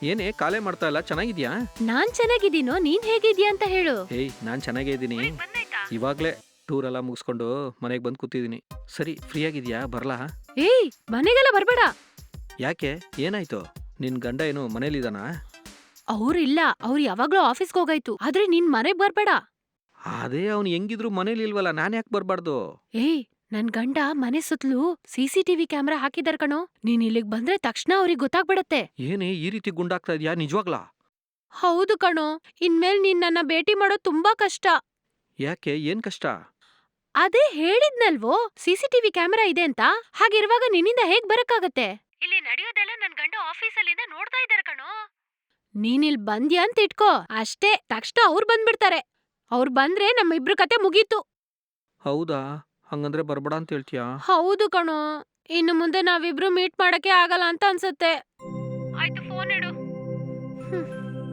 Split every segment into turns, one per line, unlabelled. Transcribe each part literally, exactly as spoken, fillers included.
ಏನೇ ಕಾಲೇ ಮಾಡ್ತಾ ಇಲ್ಲ, ಚೆನ್ನಾಗಿದ್ಯಾ?
ನಾನ್ ಚೆನ್ನಾಗಿದ್ದೀನೋ, ನೀನ್ ಹೇಗಿದ್ಯಾ ಅಂತ ಹೇಳು.
ಏಯ್ ನಾನ್ ಚೆನ್ನಾಗೇ ಇದ್ದೀನಿ. ಇವಾಗ್ಲೇ ಟೂರ್ ಎಲ್ಲ ಮುಗಿಸ್ಕೊಂಡು ಮನೆಗೆ ಬಂದು ಕೂತಿದ್ದೀನಿ. ಸರಿ, ಫ್ರೀ ಆಗಿದ್ಯಾ? ಬರ್ಲಾ?
ಏಯ್ ಮನೆಗೆಲ್ಲ ಬರ್ಬೇಡ.
ಯಾಕೆ, ಏನಾಯ್ತು? ನಿನ್ ಗಂಡ ಏನು ಮನೇಲಿದಾನಾ?
ಅವ್ರಿಲ್ಲ, ಅವ್ರು ಯಾವಾಗ್ಲೂ ಆಫೀಸ್ಗೆ ಹೋಗಾಯ್ತು. ಆದ್ರೆ ನೀನ್ ಮನೆಗ್ ಬರ್ಬೇಡ.
ಅದೇ ಅವ್ನು ಹೆಂಗಿದ್ರು ಮನೇಲಿ ಇಲ್ವಲ್ಲ, ನಾನ್ ಯಾಕೆ ಬರ್ಬಾರ್ದು?
ಏಯ್ ನನ್ ಗಂಡ ಮನೆ ಸುತ್ತಲೂ ಸಿಸಿಟಿವಿ ಕ್ಯಾಮೆರಾ ಹಾಕಿದಾರ್ ಕಣೋ. ನೀನ್ ಇಲ್ಲಿಗ್ ಬಂದ್ರೆ ತಕ್ಷಣ ಅವ್ರಿಗೆ ಗೊತ್ತಾಗ್ಬಿಡತ್ತೆ.
ಏನೇ ಈ ರೀತಿ ಗುಂಡಾಗ್ತಾ ಇದೆಯಾ ನಿಜವಾಗ್ಲಾ?
ಹೌದು ಕಣೋ, ಇನ್ಮೇಲ್ ನೀನ್ ನನ್ನ ಭೇಟಿ ಮಾಡೋದ್ ತುಂಬಾ ಕಷ್ಟ.
ಯಾಕೆ, ಏನ್ ಕಷ್ಟ?
ಅದೇ ಹೇಳಿದ್ನಲ್ವೋ ಸಿಸಿಟಿವಿ ಕ್ಯಾಮೆರಾ ಇದೆ ಅಂತ. ಹಾಗಿರುವಾಗ ನಿನ್ನಿಂದ ಹೇಗ್ ಬರಕ್ಕಾಗತ್ತೆ? ಇಲ್ಲಿ ನಡೆಯೋದೆಲ್ಲ ನನ್ ಗಂಡ ಆಫೀಸಲ್ಲಿಂದ ನೋಡ್ತಾ ಇದಾರೆ ಕಣೋ. ನೀನಿಲ್ ಬಂದ್ಯಾ ಅಂತ ಇಟ್ಕೋ ಅಷ್ಟೇ, ತಕ್ಷಣ ಅವ್ರು ಬಂದ್ಬಿಡ್ತಾರೆ. ಅವ್ರು ಬಂದ್ರೆ ನಮ್ಮಿಬ್ರ ಕತೆ ಮುಗೀತು.
ಹೌದಾ? ಹಂಗಂದ್ರೆ ಬರ್ಬೇಡ ಅಂತ ಹೇಳ್ತೀಯಾ?
ಹೌದು ಕಣೋ, ಇನ್ನು ಮುಂದೆ ನಾವಿಬ್ರು ಮೀಟ್ ಮಾಡಕ್ಕೆ ಆಗಲ್ಲ ಅಂತ ಅನ್ಸತ್ತೆ. ಆಯ್ತು, ಫೋನ್ ಇಡು. ಹ್ಮ್.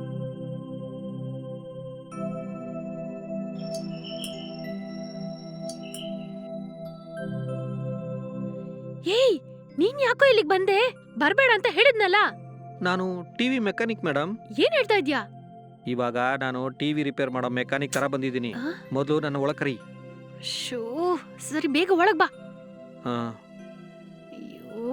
ಏಯ್ ನೀನ್ ಯಾಕೋ ಇಲ್ಲಿಗ್ ಬಂದೆ? ಬರ್ಬೇಡ ಅಂತ ಹೇಳಿದ್ನಲ್ಲ.
ನಾನು ಟಿವಿ ಮೆಕ್ಯಾನಿಕ್ ಮೇಡಮ್.
ಏನ್ ಹೇಳ್ತಾ ಇದ್ಯಾ?
ಇವಾಗ ನಾನು ಟಿವಿ ರಿಪೇರ್ ಮಾಡೋ ಮೆಕ್ಯಾನಿಕ್ ತರ ಬಂದಿದ್ದೀನಿ.
ಆ?
ಮೊದಲು ನನ್ನ ಒಳ ಕರಿ.
ಶೋ, ಸರಿ ಬೇಗ ಒಳಗ್ ಬಾ.
ಹಾ.
ಅಯ್ಯೋ.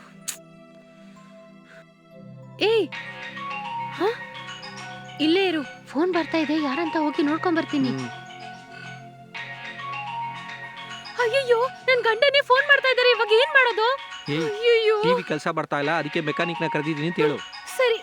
ಏಯ್ ಹ? ಇಲ್ಲೇ ಇರು, ಫೋನ್ ಬರ್ತಾ ಇದೆ, ಯಾರಂತ ಹೋಗಿ ನೋಡ್ಕೊಂಡ್ ಬರ್ತೀನಿ.
ಹ್ಮ್.
ಅಯ್ಯಯ್ಯೋ, ನನ್ ಗಂಡನೇ ಫೋನ್ ಮಾಡ್ತಾ ಇದಾರೆ, ಇವಾಗ ಏನ್ ಮಾಡೋದು?
ಏಯ್
ಅಯ್ಯಯ್ಯೋ.
ಟಿವಿ ಕೆಲಸ ಬರ್ತಾ ಇಲ್ಲ, ಅದಕ್ಕೆ ಮೆಕ್ಯಾನಿಕ್ ನ ಕರೆದಿದ್ದೀನಿ ಅಂತ ಹೇಳು.
ಸರಿ.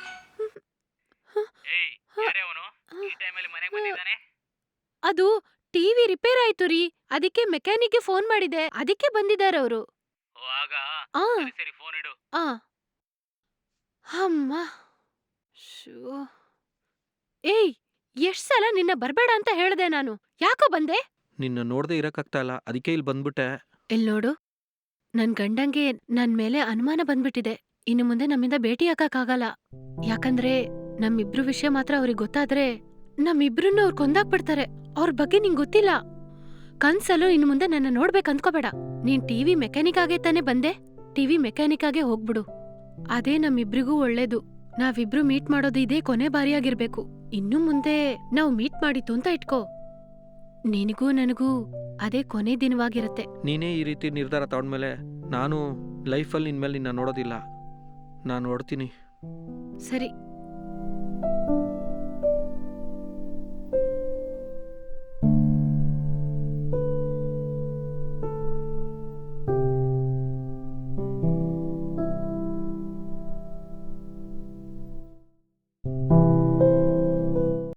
ಏಯ್ ಯಾರೇ ಅವನು ಈ ಟೈಮಲ್ಲಿ ಮನೆಗೆ ಬಂದಿದ್ದಾನೆ?
ಅದು ಟಿವಿ ರಿಪೇರ್ ಆಯ್ತು ರೀ, ಅದಕ್ಕೆ ಮೆಕ್ಯಾನಿಕ್ಗೆ ಫೋನ್ ಮಾಡಿದೆ, ಅದಕ್ಕೆ ಬಂದಿದ್ದಾರೆ ಅವರು.
ಓ ಆಗ
ಆ
ಸರಿ ಸರಿ ಫೋನ್ ಇಡು.
ಆ ಅಮ್ಮ. ಶೋ. ಏಯ್ ಎಷ್ಟ್ ಸಲ ನಿನ್ನ ಬರ್ಬೇಡ ಅಂತ ಹೇಳ್ದೆ ನಾನು, ಯಾಕೋ ಬಂದೆ?
ನಿನ್ನ ನೋಡದೆ ಇರಕ್ಕಾಗ್ತಾ ಇಲ್ಲ, ಅದಕ್ಕೆ ಇಲ್ಲಿ ಬಂದ್ಬಿಟ್ಟೆ.
ಇಲ್ ನೋಡು, ನನ್ ಗಂಡಂಗೆ ನನ್ ಮೇಲೆ ಅನುಮಾನ ಬಂದ್ಬಿಟ್ಟಿದೆ. ಇನ್ನು ಮುಂದೆ ನಮ್ಮಿಂದ ಭೇಟಿ ಆಗಕ್ಕಾಗಲ್ಲ. ಯಾಕಂದ್ರೆ ನಮ್ಮಿಬ್ರು ವಿಷಯ ಮಾತ್ರ ಅವ್ರಿಗೆ ಗೊತ್ತಾದ್ರೆ ನಮ್ಮಿಬ್ರನ್ನ ಅವ್ರು ಕೊಂದಾಕ್ಬಿಡ್ತಾರೆ. ಅವ್ರ ಬಗ್ಗೆ ನಿಂಗ್ ಗೊತ್ತಿಲ್ಲ. ಕನ್ಸಲ್ಲೂ ಇನ್ನು ಮುಂದೆ ನನ್ನ ನೋಡ್ಬೇಕು ಅಂದ್ಕೋಬೇಡ. ನೀನ್ ಟಿವಿ ಮೆಕ್ಯಾನಿಕ್ ಆಗೇ ತಾನೇ ಬಂದೆ, ಟಿವಿ ಮೆಕ್ಯಾನಿಕ್ ಆಗೇ ಹೋಗ್ಬಿಡು. ಅದೇ ನಮ್ಮಿಬ್ರಿಗೂ ಒಳ್ಳೇದು. ನಾವಿಬ್ರು ಮೀಟ್ ಮಾಡೋದು ಇದೇ ಕೊನೆ ಬಾರಿಯಾಗಿರ್ಬೇಕು. ಇನ್ನು ಮುಂದೆ ನಾವ್ ಮೀಟ್ ಮಾಡಿತ್ತು ಅಂತ ಇಟ್ಕೋ, ನಿನಗೂ ನನಗೂ ಅದೇ ಕೊನೆ ದಿನವಾಗಿರತ್ತೆ.
ನೀನೇ ಈ ರೀತಿ ನಿರ್ಧಾರ ತಗೊಂಡ್ಮೇಲೆ ನಾನು ಲೈಫಲ್ಲಿ ಇನ್ಮೇಲೆ ನಿನ್ನ ನೋಡೋದಿಲ್ಲ. ನಾನು ನೋಡ್ತೀನಿ.
ಸರಿ,